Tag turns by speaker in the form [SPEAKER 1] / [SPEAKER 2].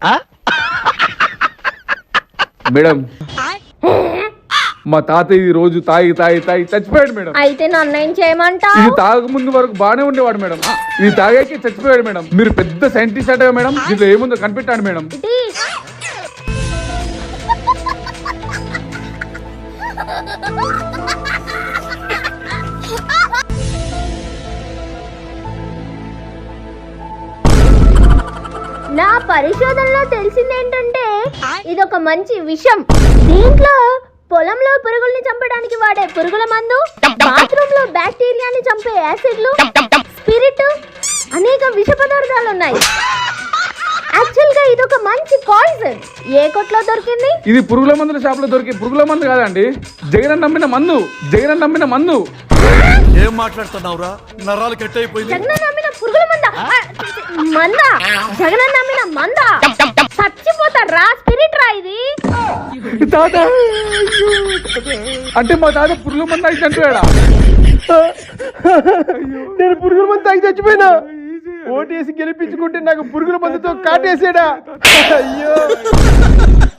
[SPEAKER 1] Madam మా తాతయ్య ఈ రోజు తాగి చచ్చిపోయాడు మేడం.
[SPEAKER 2] అయితే నన్ను ఏం చేయమంటావు?
[SPEAKER 1] ఇది తాగక ముందు వరకు బాగానే ఉండేవాడు మేడం. ఇది తాగాకి చచ్చిపోయాడు మేడం. మీరు పెద్ద సైంటిస్ట్ అటగా మేడం. దీంట్లో ఏముందో కనిపెట్టాడు మేడం.
[SPEAKER 2] నా పరిశోధనలో తెలిసింది ఏంటంటే ఇదొక మంచి విషయం. దీంట్లో పొలంలో పురుగుల్ని చంపడానికి వాడే పురుగుల మందు, బాత్రూమ్ లో బ్యాక్టీరియాని చంపే యాసిడ్లు, స్పిరిట్, అనేక విష పదార్థాలు ఉన్నాయి. యాక్చువల్ గా ఇదొక మంచి పాయిజన్. ఏ కొట్లో దొరికింది?
[SPEAKER 1] ఇది పురుగుల మందుల షాప్ లో దొరికి పురుగుల మందు కాదండి. జగన్ నమ్మిన మందు.
[SPEAKER 3] ఏం మాట్లాడుతున్నావురా? నరాలు కట్ అయిపోయింది.
[SPEAKER 2] జగన్ నమ్మిన పురుగుల మందా? జగన్ నమ్మిన మందా? చచ్చిపోతారా? స్పిరిట్ రా ఇది.
[SPEAKER 1] తాత అంటే మా తాత పురుగుల మందు తాగి చచ్చిపోయాడా?
[SPEAKER 4] నేను పురుగుల మందు తాగి చచ్చిపోయినా. ఓటేసి గెలిపించుకుంటే నాకు పురుగుల మందుతో కాటేసాడా? అయ్యో.